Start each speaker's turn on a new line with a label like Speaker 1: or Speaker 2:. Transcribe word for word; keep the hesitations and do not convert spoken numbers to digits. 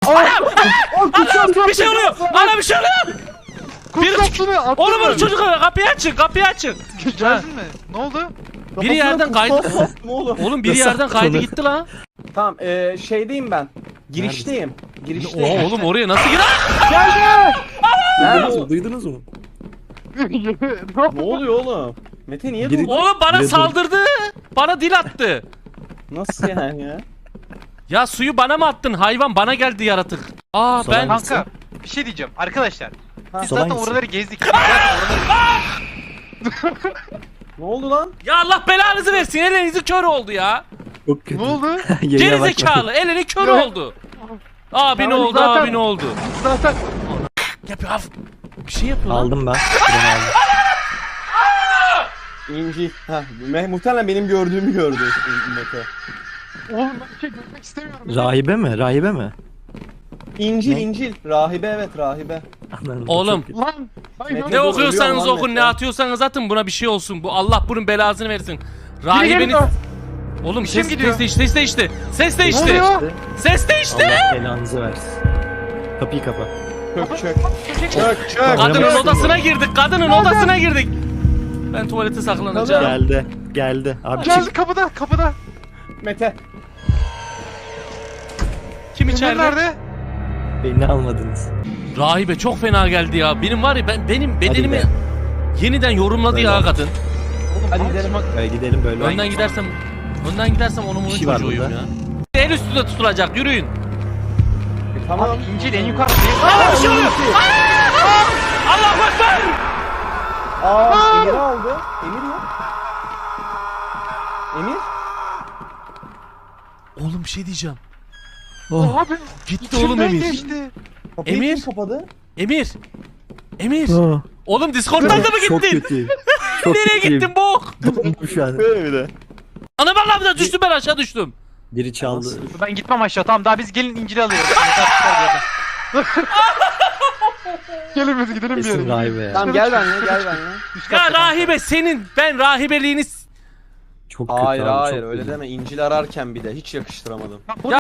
Speaker 1: Anam! Bir şey oluyor! Ana bir şey oluyor! Biri çık- Oğlum bunu çocuk kapıyı açın, kapıyı açın.
Speaker 2: Geldin mi? Ne oldu?
Speaker 1: Biri yerden kaydı.
Speaker 3: Ne oğlum?
Speaker 1: Oğlum biri
Speaker 4: Nasıl
Speaker 1: yerden kaydı
Speaker 4: atılır?
Speaker 1: gitti lan.
Speaker 3: Tamam eee şeydeyim ben. Girişteyim. Girişteyim.
Speaker 1: Oha oğlum oraya nasıl girer?
Speaker 4: Duydunuz
Speaker 3: Nerede?
Speaker 4: mu? Duydunuz mu?
Speaker 3: Ne oluyor oğlum? Mete niye
Speaker 4: Biri-
Speaker 3: durdun?
Speaker 1: Oğlum bana
Speaker 4: Biri dur.
Speaker 1: saldırdı. Bana dil attı.
Speaker 3: Nasıl yani ya?
Speaker 1: Ya suyu bana mı attın hayvan? Bana geldi yaratık. Aa
Speaker 4: Solan
Speaker 1: ben
Speaker 4: gitsin.
Speaker 2: Kanka bir şey diyeceğim arkadaşlar.
Speaker 3: Ha,
Speaker 2: Biz
Speaker 4: solan
Speaker 2: zaten
Speaker 4: gitsin.
Speaker 2: oraları gezdik. Biz zaten oraları-
Speaker 3: Ne oldu lan?
Speaker 1: Ya Allah belanızı versin. Elinizi kör oldu ya.
Speaker 4: Çok kötü.
Speaker 2: Ne oldu?
Speaker 4: Yayına
Speaker 1: Geri
Speaker 4: bakma.
Speaker 1: zekalı. Elini kör
Speaker 2: Yok.
Speaker 1: oldu. Abi ne
Speaker 2: Tamam,
Speaker 1: oldu?
Speaker 2: zaten-
Speaker 1: Abi ne oldu?
Speaker 2: Zaten
Speaker 1: Yapıyor. af- Bir şey yapıyor lan.
Speaker 4: Aldım ben. Şuradan aldım.
Speaker 3: İnci. Ha, me- muhtemelen benim gördüğümü gördü Mete.
Speaker 2: oğlum ben bir şey görmek istemiyorum.
Speaker 4: Rahibe mi? Rahibe mi?
Speaker 3: İncil,
Speaker 4: Ne?
Speaker 3: İncil. Rahibe evet, rahibe.
Speaker 4: Anladım,
Speaker 1: Oğlum.
Speaker 4: çok kötü.
Speaker 2: Lan. Ay,
Speaker 3: Mete-
Speaker 1: Ne
Speaker 3: Dur,
Speaker 1: okuyorsanız
Speaker 3: ölüyorum lan
Speaker 1: okun,
Speaker 3: Mete.
Speaker 1: ne atıyorsanız atın, buna bir şey olsun. Bu Allah bunun belasını versin.
Speaker 2: Biri
Speaker 1: Rahibeniz...
Speaker 2: geliyor.
Speaker 1: Oğlum
Speaker 2: İşim
Speaker 1: ses,
Speaker 2: gidiyor.
Speaker 1: ses değişti, ses değişti. Ses
Speaker 2: Ne
Speaker 1: değişti.
Speaker 2: oluyor?
Speaker 1: Ses değişti.
Speaker 4: Allah belanızı versin. Kapıyı kapa.
Speaker 3: Çök çök.
Speaker 2: Çek.
Speaker 3: Çök çök.
Speaker 1: Kadının
Speaker 4: Oynamazsın
Speaker 1: odasına girdik. Kadının odasına girdik. Ben tuvalete saklanacağım.
Speaker 4: Geldi. Geldi. Abi
Speaker 2: Geldi
Speaker 4: çık.
Speaker 2: kapıda kapıda.
Speaker 3: Mete.
Speaker 1: Kim
Speaker 2: Emir
Speaker 1: içeride?
Speaker 2: nerede?
Speaker 4: Beni almadınız.
Speaker 1: Rahibe çok fena geldi ya. Benim var ya, ben benim bedenimi
Speaker 4: be.
Speaker 1: yeniden yorumladı
Speaker 4: Böyle
Speaker 1: ya
Speaker 4: oldu.
Speaker 1: kadın.
Speaker 3: Hadi gidelim.
Speaker 4: Böyle gidelim böyle.
Speaker 1: Önden gidersem önden gidersem onun bunun
Speaker 4: Bir şey var
Speaker 1: çocuğuyum
Speaker 4: burada.
Speaker 1: ya. El üstünde tutulacak. Yürüyün.
Speaker 3: Tamam.
Speaker 2: İncil en yukarıda.
Speaker 1: Aa, bir şey oluyor. Allahu ekber.
Speaker 3: Aa, Emir'i aldı. Emir yok. Emir?
Speaker 1: Oğlum bir şey diyeceğim.
Speaker 4: Oh.
Speaker 2: Abi.
Speaker 1: Gitti oğlum
Speaker 2: içimden
Speaker 1: Emir.
Speaker 2: geçti.
Speaker 3: Kapıyı
Speaker 1: Emir?
Speaker 3: kim kapadı?
Speaker 1: Emir. Emir.
Speaker 4: Oh.
Speaker 1: Oğlum Discord'dan da mı
Speaker 4: Çok
Speaker 1: gittin?
Speaker 4: kötü. Çok
Speaker 1: Nereye
Speaker 4: kötüyüm.
Speaker 1: gittin bok?
Speaker 4: Dondum şu an.
Speaker 3: Böyle bir de.
Speaker 1: Ana bak lan düştüm, ben aşağı düştüm.
Speaker 4: Biri çaldı.
Speaker 2: Ben gitmem aşağı tamam daha biz gelin İncil'i alıyoruz. Gelin biz gidelim bir
Speaker 4: Kesin
Speaker 2: yere.
Speaker 4: rahibe ya.
Speaker 3: Tamam gel benimle gel benimle.
Speaker 1: Ya rahibe senin ben rahibeliğini
Speaker 4: Çok kötü
Speaker 3: Hayır
Speaker 4: abi,
Speaker 3: hayır
Speaker 4: çok
Speaker 3: öyle
Speaker 4: kötü.
Speaker 3: deme. İncil ararken bir de hiç yakıştıramadım.
Speaker 1: Ya